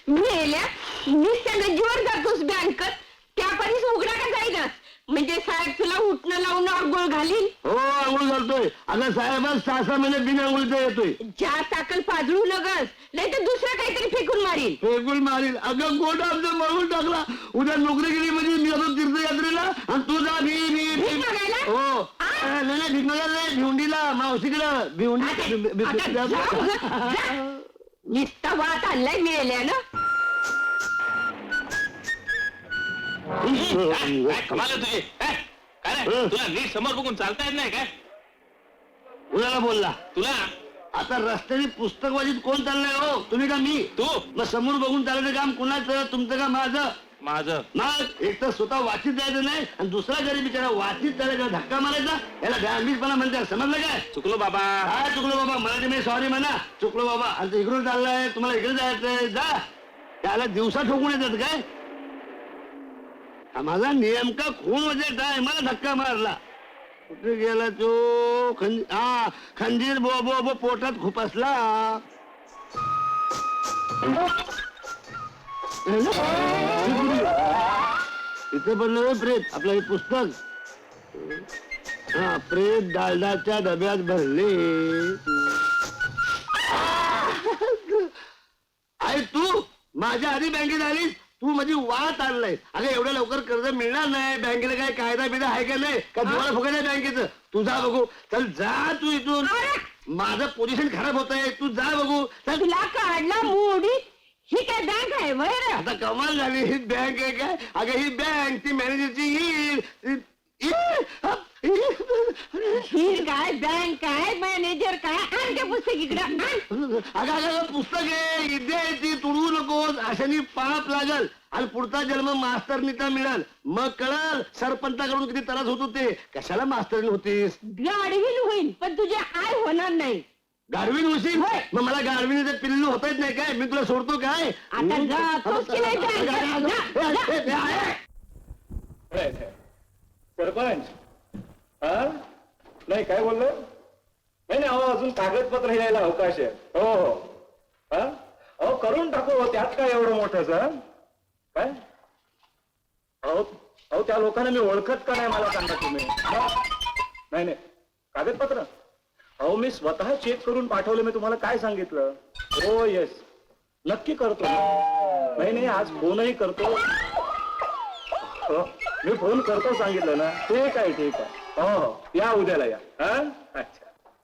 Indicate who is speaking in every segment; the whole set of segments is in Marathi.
Speaker 1: मेल्या मी गज्जीवर जातोस बँकत त्या परीस उघडा का जाईनास म्हणजे साहेब तुला उठणं लावून आंघोळ घालील.
Speaker 2: हो आंघोळ घालतोय. अगं साहेबांच 6-6 महिने बिन आंघोळीचा येतोय.
Speaker 1: ज्या ताकल पाजळू नगस नाही तर दुसरं काहीतरी फेकून मारील.
Speaker 2: फेकून मारील. अगं गोट आमचं मळून टाकला. उद्या नोकरी केली म्हणजे मी जातो तीर्थयात्रेला आणि तू जा
Speaker 1: भीक मागायला?
Speaker 2: हो नाही भिकणाला नाही भिवंडीला मावशीकडं
Speaker 1: निस्ता वाट आणलाय मिळाल्या ना.
Speaker 3: कमाल तुझी काय तुला नीट समोर बघून चालता येत नाही काय?
Speaker 2: कुणाला बोलला
Speaker 3: तुला
Speaker 2: आता रस्त्याने पुस्तक वाचित कोण चाललंय हो? तुम्ही का मी?
Speaker 3: तू
Speaker 2: मग समोर बघून चालायचं काम कुणाचं? तुमचं का माझं?
Speaker 3: माझं.
Speaker 2: मग एक तर स्वतः वाचित जायचं नाही आणि दुसरा गरीब बिचारा वाचित चालायचा धक्का मारायचा. याला गांभीरपणा म्हणतात. समजलं काय?
Speaker 3: चुकलो बाबा.
Speaker 2: काय चुकलो बाबा? मराठी मी सॉरी म्हणा. चुकलो बाबा. आणि इकडून चाललंय तुम्हाला इकडे जायचंय जा. त्याला दिवसा ठोकून येतात काय? माझा नेमका खून म्हणजे काय? मला धक्का मारला. कुठे गेला तो? खंजीर बो बो बो पोटात खुपसला. इथे बनलं प्रेत आपलं हे पुस्तक. प्रेत डालडाच्या डब्यात भरले. आहे तू माझ्या आधी बँकेत आलीस. तू माझी वाट आणलाय. अगं एवढ्या लवकर कर्ज मिळणार नाही. बँकेला काय कायदा बिदा आहे का नाही? का तुम्हाला फुकट आहे बँकेचं? तू जा बघू. चल जा तू इथून. माझं पोझिशन खराब होत आहे. तू जा बघू. चल.
Speaker 1: तुला काढला मोडी. ही काय बँक आहे वर?
Speaker 2: आता कमाल झाली. ही बँक आहे काय? अगं ही बँक ती मॅनेजरची
Speaker 1: ही काय बँक काय मॅनेजर काय? आण ते पुस्तक इकडं.
Speaker 2: अगं पुस्तक आहे. इथे ती तुडवू नकोस. अशाने पाप लागल आणि पुढचा जन्म मास्तरनीचा मिळाल. मग कळल सरपंचाकडून किती त्रास होतो ते. कशाला मास्तरनी होतीस?
Speaker 1: गाडवील होईल पण तुझे आय होणार नाही.
Speaker 2: गाडवीन होशील? मग मला गाडविनीचं पिल्लू होता येत नाही काय? मी तुला सोडतो काय?
Speaker 1: आता जातोस की नाही बँकेत?
Speaker 4: सरपंच नाही काय बोललो? नाही अहो अजून कागदपत्र लिहायला अवकाश आहे. हो हो अहो करून टाकू. त्यात काय एवढं मोठं सर? काय अहो अहो त्या लोकांना मी ओळखत का नाही मला सांगा तुम्ही. नाही नाही कागदपत्र अहो मी स्वतः चेक करून पाठवलं. मी तुम्हाला काय सांगितलं? हो येस नक्की करतो. नाही नाही आज फोनही करतो. मी फोन करतो सांगितलं ना. ठीक आहे ठीक आहे. हो हो या उद्याला या. अच्छा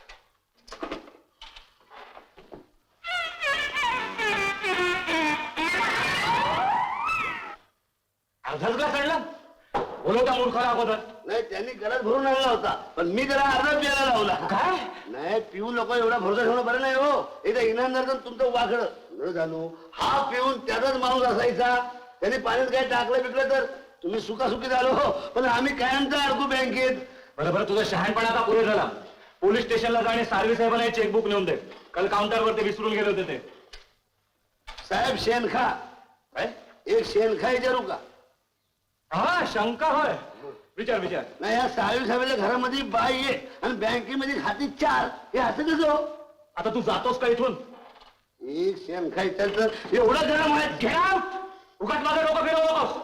Speaker 3: अर्धाच का चढला? बोलवता मूर्खाला अगोदर.
Speaker 2: नाही त्यांनी गरज भरून आणला होता पण मी त्याला अर्धा प्यायला लावला.
Speaker 3: काय
Speaker 2: नाही पिऊन लोक एवढा भरोसा ठेवणं बरं नाही हो. एकदा इनामदार तुमचं वाकडं न जाणू. हा पिऊन त्याचाच माणूस असायचा. त्यांनी पाण्यात काय टाकलं बिकलं तर तुम्ही सुखासुखी झालो. पण आम्ही कायमचा अडकू बँकेत.
Speaker 4: बरोबर तुझा शहाणपणा आता पुरे झाला. पोलीस स्टेशनला जाणे सार्वी साहेबांना चेकबुक नेऊन दे. काल काउंटरवर ते विसरून गेले होते ते.
Speaker 2: साहेब शेणखा एक शेणखा विचारू का?
Speaker 4: हा शंका होय. विचार विचार.
Speaker 2: नाही या साहेब साहेबांच्या घरामध्ये बाई आहे आणि बँकेमध्ये खाती 4. हे असं कसं हो?
Speaker 4: आता तू जातोस का इथून?
Speaker 2: एक शेणखा विचारतं एवढं गरम आहे.
Speaker 4: Get out! उगाच माझं डोकं फिरवू नकोस.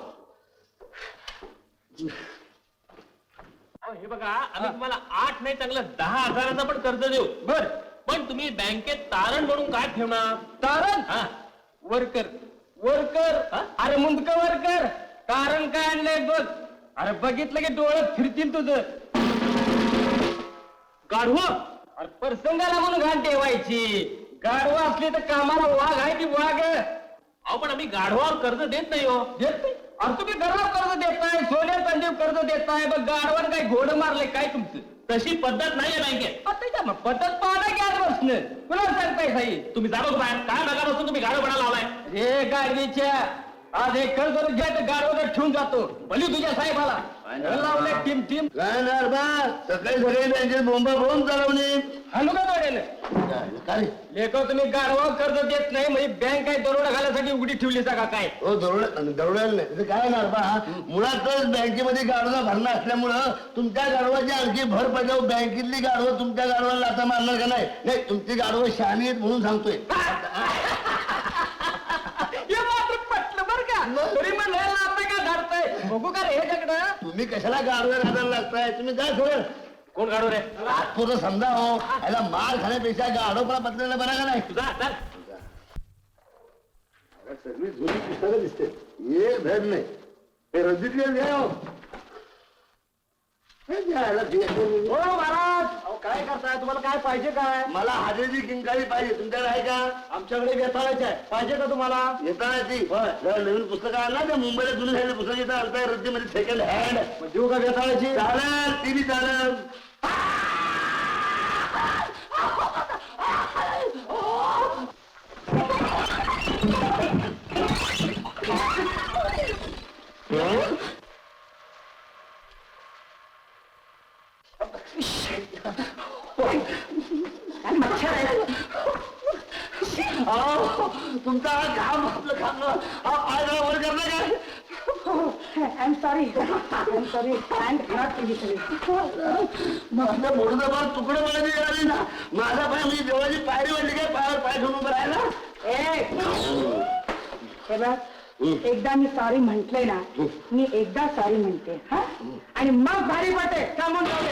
Speaker 3: हे बघा आम्ही तुम्हाला 8 नाही चांगलं 10,000चं पण कर्ज देऊ. बर पण तुम्ही बँकेत तारण म्हणून काय ठेवणार?
Speaker 5: तारण? Worker worker. अरे मुंडक वर्कर. कारण काय आणलंय बघ. अरे बघितलं की डोळ्यात फिरतील तुझं.
Speaker 3: गाढव
Speaker 5: अरे प्रसंगाला म्हणून घाण ठेवायची. गाढवा असली तर कामाला वाघ आहे की वाघ.
Speaker 3: अहो पण आम्ही गाढवावर कर्ज देत नाही हो.
Speaker 5: देत नाही? अरे तुम्ही घरावर कर्ज देताय सोन्या चांदीवर कर्ज देताय. बघ गाढवान काय घोडं मारलंय काय तुमचं?
Speaker 3: तशी पद्धत नाहीये बँकेत.
Speaker 5: आता मग पद्धत पाहणं घ्या बसणं. कुणाला सांगताय साई?
Speaker 3: तुम्ही जा बघ बाहेर. काय बघा बसून तुम्ही गाढवपणा लावलाय?
Speaker 5: रे गाडवीच्या आज एक कर्ज घ्या तर गाडवाला ठेवून जातो. भली तुझ्या साहेबाला लावलंय टीम टीम.
Speaker 2: काय ना बा सकाळी सकाळी बँकेत बोंबा बोंब चालवणे.
Speaker 5: हाणू का तोडेल?
Speaker 2: काय
Speaker 5: लेख तुम्ही गाडवा कर्ज देत नाही म्हणजे बँक काय दरोडा घालायसाठी उघडी ठेवली का काय?
Speaker 2: हो दरोड्याला नाही. त्याचं काय ना बा मुळातच बँकेमध्ये गाडवा भरणं असल्यामुळं तुमच्या गाडवाची आणखी भर पडल्यावर बँकेतली गाडवं तुमच्या गाडवाला लाथा मारणार का नाही? नाही तुमची गाडवं शहाणी आहेत म्हणून सांगतोय.
Speaker 5: बघू का रे ह्याच्याकडं
Speaker 2: तुम्ही कशाला गाडव्या घालायला लागताय तुम्ही जा थोडं
Speaker 3: कोण काढू रे
Speaker 2: आतपुरं समजा हो याला मार खाण्यापेक्षा गाडोपणा बदलेला बरा का नाही
Speaker 3: तुझा चल
Speaker 2: सगळी जुनी पुस्तकं दिसते एक धड नाही हे रद्दीत घ्या हो हे द्यायला
Speaker 5: हो महाराज अहो काय करताय तुम्हाला काय पाहिजे काय
Speaker 2: मला हाजेची किंकाळी पाहिजे तुमच्याकडे आहे का
Speaker 5: आमच्याकडे वेताळायचे आहे पाहिजे का तुम्हाला
Speaker 2: येता ती जरा नवीन पुस्तकं आण ना त्या मुंबईला जुनं झालेलं पुस्तक येतं आणताय रद्दीमध्ये सेकंड हँड
Speaker 5: मग देऊ का वेताळायची
Speaker 2: चालेल ती बी चालेल अहो, तुमचा हा घाम आपलं खाल्लं पाय जरा वर करणार काय
Speaker 1: I'm sorry. I'm sorry. I'm not really sorry.
Speaker 2: माझं मोठं बार तुकडं मला मिळाली ना माझा पाय म्हणजे देवाची पायरी वाटली काय पायावर पाय ठेवून उभं राहिला
Speaker 1: हे बघ, एकदा मी सॉरी म्हंटले ना मी एकदा सॉरी म्हणते हा आणि मग भारी वाटे का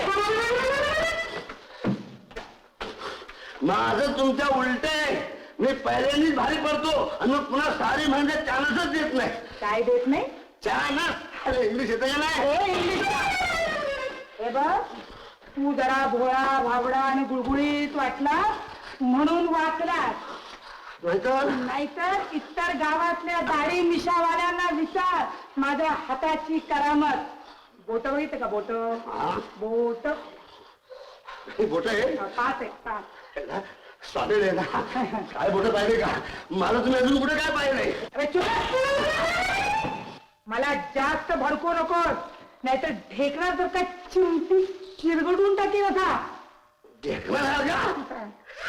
Speaker 2: माझं तुमच्या उलट आहे मी पहिल्यांदाच भारी पडतो आणि मग पुन्हा सारी म्हणजे चान्सच देत नाही
Speaker 1: काय देत नाही
Speaker 2: चानस अरे इंग्लिश येतं का नाही
Speaker 1: हे बघ तू जरा भोळा भाबडा आणि गुळगुळीत वाटला म्हणून वाचलास नाहीतर इतर गावातल्या दाढी मिशावाल्यांना विचार माझ्या हाताची करामत बोट बघितलं का बोट बोट
Speaker 2: बोट आहे
Speaker 1: पाच आहे पाच
Speaker 2: सॉलिड आहे ना काय बोट पाहिजे का मला तुम्ही अजून कुठे काय पाहिजे
Speaker 1: अरे चुप मला जास्त भडकू नकोस नाहीतर ढेकणा जर का चिमटी चिरगडून टाकेल होता
Speaker 2: ढेकणार का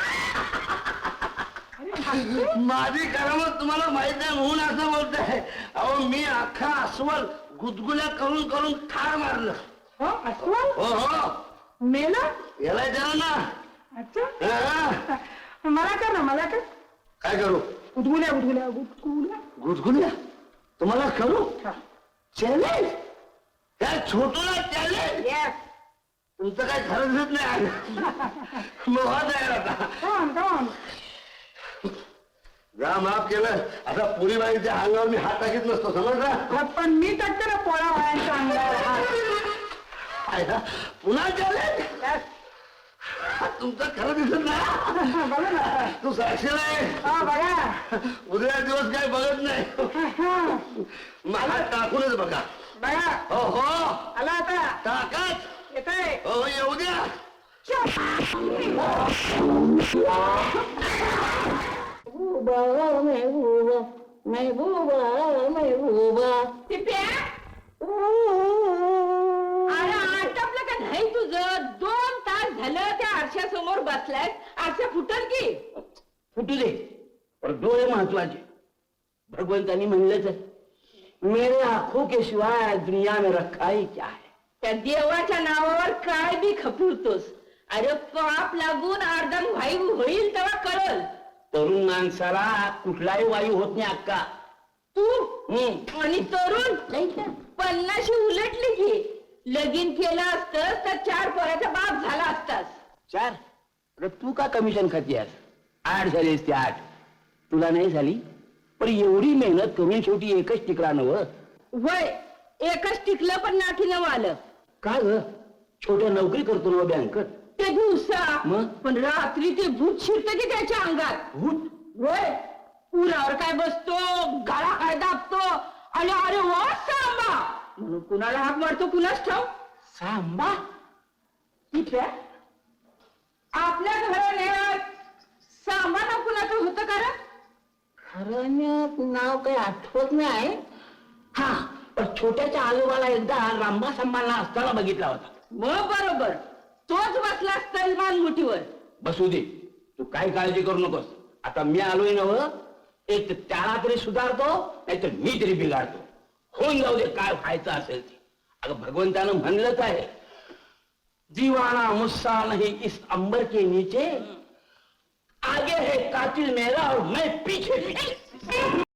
Speaker 2: माझी करामत तुम्हाला माहित नाही म्हणून असं बोलताय अहो मी अख्खा अस्वल गुदगुल्या करून करून ठार मारलं
Speaker 1: हो अस्वल
Speaker 2: हो हो
Speaker 1: मेला
Speaker 2: याला विचारा ना
Speaker 1: अच्छा
Speaker 2: हा.
Speaker 1: मला कर ना मला कर
Speaker 2: काय करू
Speaker 1: उदगुल्या उदगुल्या उदगुल्या
Speaker 2: गुदगुल्या तुम्हाला करू
Speaker 1: हा.
Speaker 2: चॅलेंज त्या छोटूला चॅलेंज
Speaker 1: Yes.
Speaker 2: तुमचं काय खरं दिसत नाही मोहा तयार आता
Speaker 1: Come on, come on.
Speaker 2: जा माफ केलं आता पुरी बाईच्या अंगावर मी हात टाकीत नसतो समजला
Speaker 1: हा, पण मी टाकते ना पोळा वायांच्या अंगावर हात.
Speaker 2: आयला, पुन्हा चॅलेंज
Speaker 1: Yes.
Speaker 2: तुमचं खरं दिसत नाही
Speaker 1: बघा ना
Speaker 2: तू साक्षीला आहे
Speaker 1: हा बघा
Speaker 2: उद्या दिवस काय बघत नाही
Speaker 1: हा,
Speaker 2: मग हात टाकूनच बघा
Speaker 1: बघा
Speaker 2: हो हो
Speaker 1: आला आता
Speaker 2: टाकाच
Speaker 1: येतंय
Speaker 2: हो येऊ द्या
Speaker 1: अरे आटपलं का नाही तुझं 2 तास झालं त्या आरशासमोर बसलाय आरशा फुटल की
Speaker 2: फुटू दे पण डोळे महत्वाचे भगवंतानी म्हणलंच आहे मेरे आंखों के सिवाय दुनिया में रखा ही क्या है
Speaker 1: त्या देवाच्या नावावर काय बी खपवतोस अरे पाप लागून अर्धन वायू होईल तेव्हा कळल
Speaker 2: तरुण माणसाला कुठलाही वायू होत नाही अक्का
Speaker 1: तू आणि तरुण 50 उलटली की लगीन केलं असतं तर 4 पोराचा बाप झाला असतास
Speaker 2: 4 अरे तू का कमिशन खाती आज 8 झालीस ते 8 तुला नाही झाली पण एवढी मेहनत करून शेवटी एकच टिकला नव
Speaker 1: वय एकच टिकलं पण नाठीनं आलं
Speaker 2: का ग छोट्या नोकरी करतो ना बँकेत
Speaker 1: ते दिवसा
Speaker 2: मग?
Speaker 1: पण रात्री ते भूत शिरतं की त्याच्या अंगात
Speaker 2: भूत
Speaker 1: वय पुरावर काय बसतो गाळा काय दाबतो आणि अरे वा सांबा म्हणून कुणाला हाक मारतो कुणाच ठाव
Speaker 2: सांबा
Speaker 1: ठीक आहे आपल्या घराण्यात सांबा नाव कुणाचं होतं का रे?
Speaker 2: खरं नाव काही आठवत नाही हा पण छोट्याच्या आजोबाला एकदा रांबा सांबाला असताना बघितला होता
Speaker 1: मग बरोबर तोच बसला सलमान मुठीवर
Speaker 2: बसू दे तू काय काळजी करू नकोस आता मी आलोय नव एक तर त्याला तरी सुधारतो नाही तर मी तरी बिघाडतो होऊन जाऊ दे काय व्हायचं असेल ते अगं भगवंतानं म्हणलंच आहे जीवाना मुस्सा नहीं इस अंबर के नीचे आगे है कातिल मेरा और मैं पीछे पीछे